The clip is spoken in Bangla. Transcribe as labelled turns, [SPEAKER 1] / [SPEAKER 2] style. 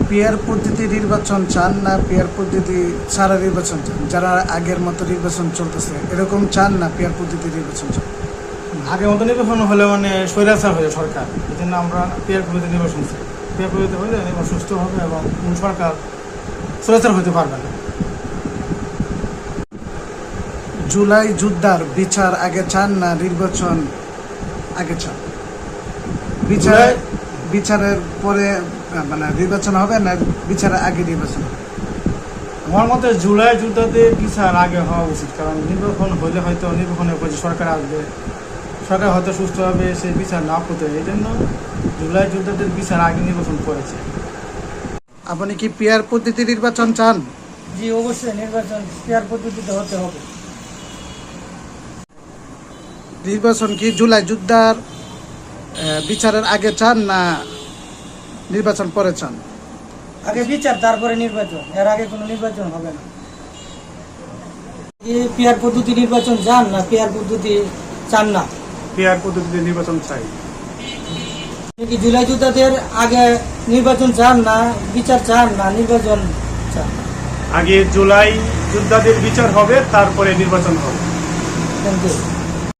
[SPEAKER 1] পিয়ার পদ্ধতি নির্বাচন চান না পিয়ার পদ্ধতি ছাড়া নির্বাচন চান? যারা আগের মতো নির্বাচন চলতেছে এরকম চান না পিয়ার পদ্ধতি নির্বাচন চান?
[SPEAKER 2] আগের মতো নির্বাচন হলে মানে স্বৈরাচার হয়ে সরকার, এই জন্য আমরা পিয়ার পদ্ধতি নির্বাচন চাই। পিয়ার পদ্ধতি হলে নির্বাচন সুস্থ হবে এবং কোন সরকার স্বৈরাচার হতে পারবে না।
[SPEAKER 1] জুলাই যোদ্ধার বিচার আগে চান না নির্বাচন আগে চান? বিচারের পরে মানে নির্বাচন হবে না বিচারের আগে নির্বাচন হবে?
[SPEAKER 2] আমার মতে জুলাই যোদ্ধাদের বিচার আগে হওয়া উচিত, কারণ নির্বাচন হলে হয়তো নির্বাচনের পর যে সরকার আসবে, সরকার হয়তো সুস্থভাবে সেই বিচার না করতে হয়, এই জন্য জুলাই যোদ্ধাদের বিচার আগে নির্বাচন করেছে।
[SPEAKER 1] আপনি কি পিয়ার পদ্ধতি নির্বাচন চান?
[SPEAKER 3] জি অবশ্যই নির্বাচন পিয়ার পদ্ধতিতে হতে হবে।
[SPEAKER 1] নির্বাচন কি জুলাই যোদ্ধার বিচারের আগে চান না নির্বাচন পরে চান?
[SPEAKER 3] আগে বিচার তারপরে নির্বাচন, এর আগে কোনো নির্বাচন হবে না। পিয়ার পদ্ধতি নির্বাচন চান না পিয়ার পদ্ধতি চান না?
[SPEAKER 2] পিয়ার পদ্ধতিতে নির্বাচন চাই।
[SPEAKER 3] কি জুলাই যোদ্ধাদের আগে নির্বাচন চান না বিচার চান না নির্বাচন চান?
[SPEAKER 2] আগে জুলাই যোদ্ধাদের বিচার হবে, তারপরে নির্বাচন হবে।
[SPEAKER 3] Thank you.